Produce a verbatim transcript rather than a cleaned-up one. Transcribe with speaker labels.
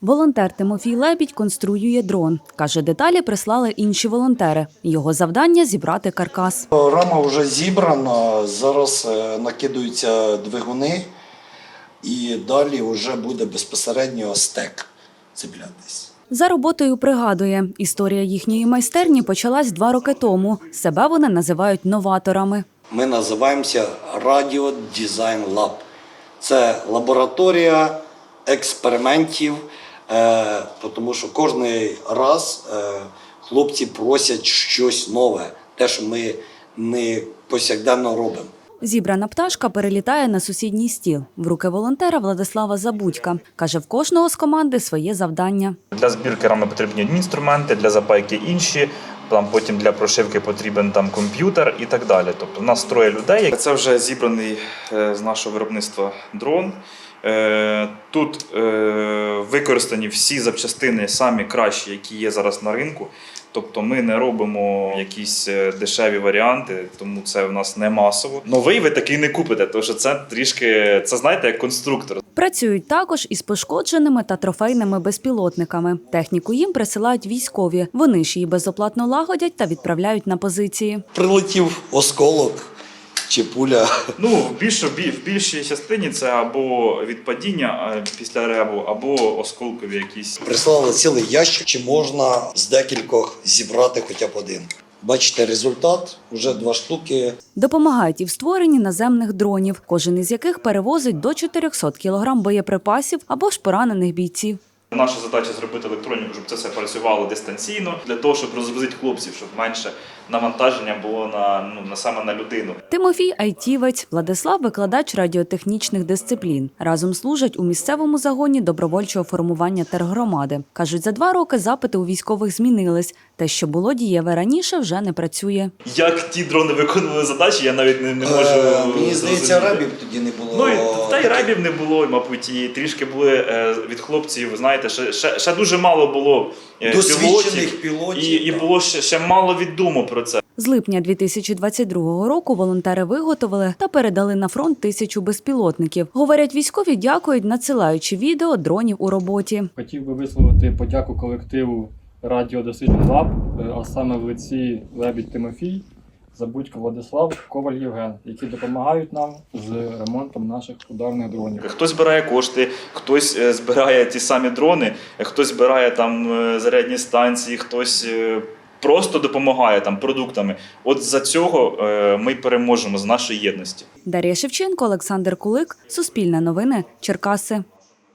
Speaker 1: Волонтер Тимофій Лебідь конструює дрон. Каже, деталі прислали інші волонтери. Його завдання – зібрати каркас.
Speaker 2: Рама вже зібрана, зараз накидаються двигуни і далі вже буде безпосередньо стек цеплятись.
Speaker 1: За роботою пригадує, історія їхньої майстерні почалась два роки тому. Себе вони називають новаторами.
Speaker 2: Ми називаємося Radio Design Lab. Це лабораторія експериментів, тому що кожен раз хлопці просять щось нове, те, що ми не повсякденно робимо.
Speaker 1: Зібрана пташка перелітає на сусідній стіл. В руки волонтера Владислава Забудька. Каже, в кожного з команди своє завдання.
Speaker 3: Для збірки рами потрібні одні інструменти, для запайки інші, там потім для прошивки потрібен там комп'ютер і так далі. Тобто в нас троє людей. Це вже зібраний з нашого виробництва дрон. Тут використані всі запчастини, самі кращі, які є зараз на ринку. Тобто ми не робимо якісь дешеві варіанти, тому це в нас не масово. Новий ви такий не купите, тому що це трішки, це знаєте, як конструктор.
Speaker 1: Працюють також із пошкодженими та трофейними безпілотниками. Техніку їм присилають військові. Вони ж її безоплатно лагодять та відправляють на позиції.
Speaker 2: Прилетів осколок чи пуля.
Speaker 3: Ну, в більшій, в більшій частині це або від падіння після ребу, або осколкові якісь.
Speaker 2: Прислали цілий ящик, чи можна з декількох зібрати хоча б один. Бачите результат, вже два штуки.
Speaker 1: Допомагають і в створенні наземних дронів, кожен із яких перевозить до чотирьохсот кілограм боєприпасів або ж поранених бійців.
Speaker 3: Наша задача зробити електроніку, щоб це все працювало дистанційно, для того, щоб розгрузити хлопців, щоб менше навантаження було на, ну, на саме на людину.
Speaker 1: Тимофій – айтівець, Владислав – викладач радіотехнічних дисциплін. Разом служать у місцевому загоні добровольчого формування тергромади. Кажуть, за два роки запити у військових змінились. Те, що було дієве раніше, вже не працює.
Speaker 3: Як ті дрони виконували задачі, я навіть не, не можу
Speaker 2: е, Мені здається, ребів тоді не було.
Speaker 3: Ну, і, та й ребів не було, мабуть, і трішки були е, від хлопців, знаєте, ще, ще, ще дуже мало було е,
Speaker 2: досвідчених
Speaker 3: пілотів,
Speaker 2: пілотів.
Speaker 3: І, і було ще, ще мало відомо про це.
Speaker 1: З липня дві тисячі двадцять другого року волонтери виготовили та передали на фронт тисячу безпілотників. Говорять, військові дякують, надсилаючи відео дронів у роботі.
Speaker 4: Хотів би висловити подяку колективу Radio Design Lab, а саме в лиці Лебідь Тимофій, Забудько Владислав, Коваль Євген, які допомагають нам з ремонтом наших ударних дронів.
Speaker 3: Хтось збирає кошти, хтось збирає ті самі дрони, хтось збирає там зарядні станції, хтось просто допомагає там продуктами. От за цього ми переможемо, з нашої єдності.
Speaker 1: Дар'я Шевченко, Олександр Кулик, Суспільне новини, Черкаси.